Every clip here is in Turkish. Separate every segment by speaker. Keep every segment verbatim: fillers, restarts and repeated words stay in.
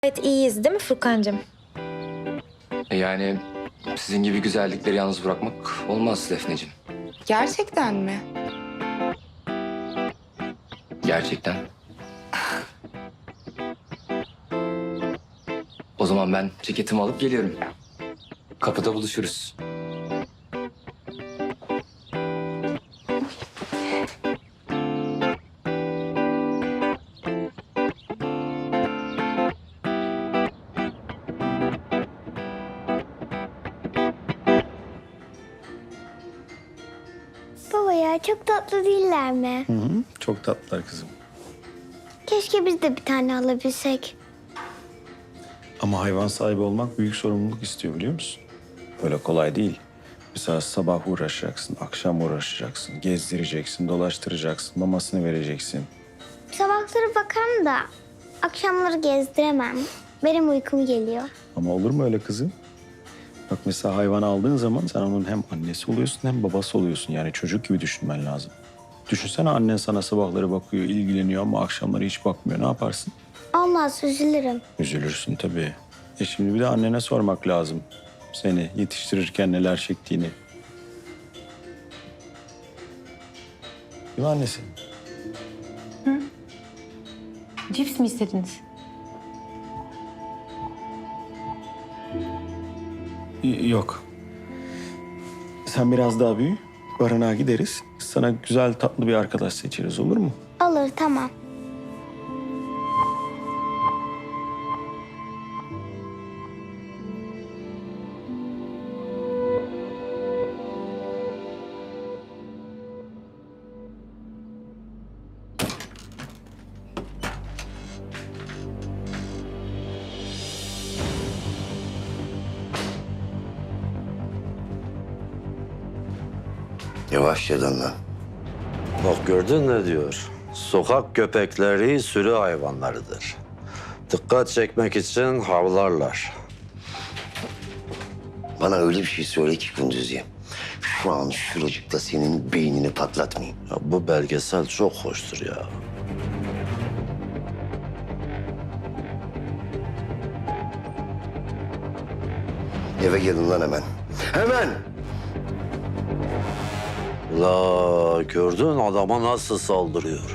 Speaker 1: Gayet iyiyiz değil mi Furkancığım?
Speaker 2: Yani sizin gibi güzellikleri yalnız bırakmak olmaz Defneciğim.
Speaker 3: Gerçekten mi?
Speaker 2: Gerçekten. O zaman ben ceketimi alıp geliyorum. Kapıda buluşuruz.
Speaker 4: Baba ya çok tatlı değiller mi?
Speaker 5: Hı hı, çok tatlılar kızım.
Speaker 4: Keşke biz de bir tane alabilsek.
Speaker 5: Ama hayvan sahibi olmak büyük sorumluluk istiyor biliyor musun? Öyle kolay değil. Mesela sabah uğraşacaksın, akşam uğraşacaksın, gezdireceksin, dolaştıracaksın, mamasını vereceksin.
Speaker 4: Sabahları bakarım da akşamları gezdiremem. Benim uykum geliyor.
Speaker 5: Ama olur mu öyle kızım? Bak mesela hayvanı aldığın zaman sen onun hem annesi oluyorsun hem babası oluyorsun. Yani çocuk gibi düşünmen lazım. Düşünsene annen sana sabahları bakıyor, ilgileniyor ama akşamları hiç bakmıyor. Ne yaparsın?
Speaker 4: Olmaz üzülürüm.
Speaker 5: Üzülürsün tabii. E şimdi bir de annene sormak lazım. Seni yetiştirirken neler çektiğini. Değil mi annesi?
Speaker 6: Cips mi istediniz?
Speaker 5: Y- Yok. Sen biraz daha büyü. Barınağa gideriz. Sana güzel tatlı bir arkadaş seçeriz olur mu?
Speaker 4: Olur tamam.
Speaker 7: Yavaşladın lan.
Speaker 8: Bak gördün ne diyor? Sokak köpekleri sürü hayvanlarıdır. Dikkat çekmek için havlarlar.
Speaker 7: Bana öyle bir şey söyle ki Kunduzi. Şu an şuracıkta senin beynini patlatmayayım.
Speaker 8: Ya bu belgesel çok hoştur ya.
Speaker 7: Eve gelin lan hemen. Hemen!
Speaker 8: La gördün adama nasıl saldırıyor?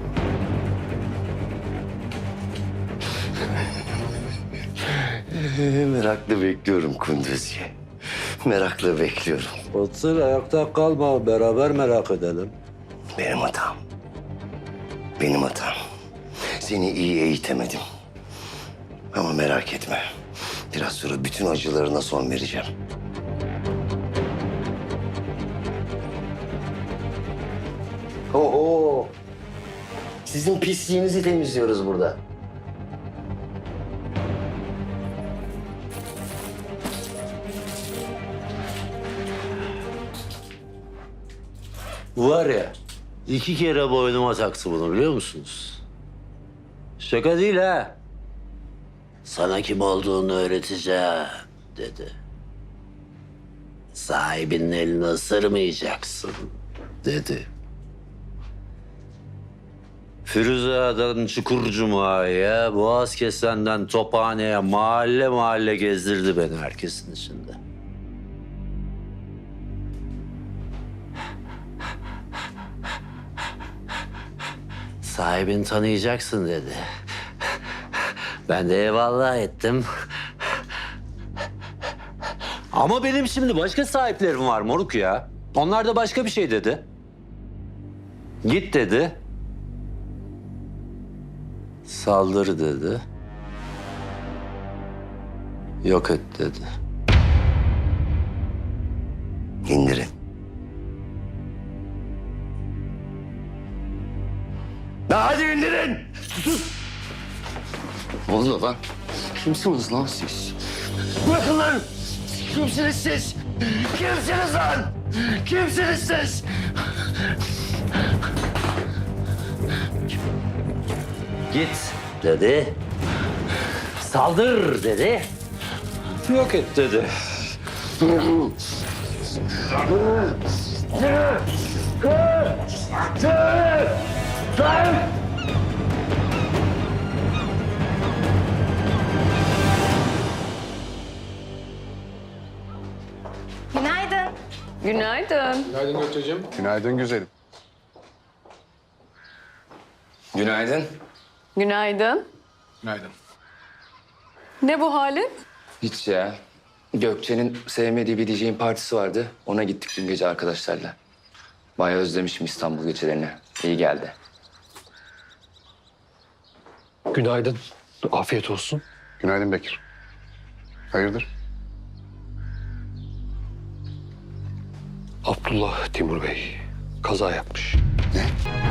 Speaker 7: Ee, merakla bekliyorum Kunduzi. Merakla bekliyorum.
Speaker 8: Otur ayakta kalma beraber merak edelim.
Speaker 7: Benim hatam. Benim hatam. Seni iyi eğitemedim. Ama merak etme. Biraz sonra bütün acılarına son vereceğim. Oho! Sizin pisliğinizi temizliyoruz burada.
Speaker 8: Var ya iki kere boynuma taktı bunu biliyor musunuz? Şaka değil ha. Sana kim olduğunu öğreteceğim dedi. Sahibinin elini ısırmayacaksın dedi. Firuze'den Çukurcuma'ya, Boğazkesen'den Tophane'ye mahalle mahalle gezdirdi beni herkesin içinde. Sahibini tanıyacaksın dedi. Ben de eyvallah ettim. Ama benim şimdi başka sahiplerim var moruk ya. Onlar da başka bir şey dedi. Git dedi. Saldır dedi. Yok et dedi.
Speaker 7: İndirin. Ya hadi indirin!
Speaker 2: Ne oluyor lan? Kimsiniz lan siz?
Speaker 7: Bırakın lan! Kimsiniz siz? Kimsiniz lan? Kimsiniz siz?
Speaker 8: Git dedi. Saldır dedi. Yok et dedi.
Speaker 6: Günaydın.
Speaker 1: Günaydın Gökçe'cim. Günaydın güzelim.
Speaker 2: Günaydın.
Speaker 6: Günaydın.
Speaker 1: Günaydın.
Speaker 6: Ne bu halin?
Speaker 2: Hiç ya. Gökçe'nin sevmediği bir D J'in partisi vardı. Ona gittik dün gece arkadaşlarla. Bayağı özlemişim İstanbul gecelerini. İyi geldi.
Speaker 9: Günaydın. Afiyet olsun.
Speaker 1: Günaydın Bekir. Hayırdır?
Speaker 9: Abdullah Timur Bey kaza yapmış.
Speaker 1: Ne?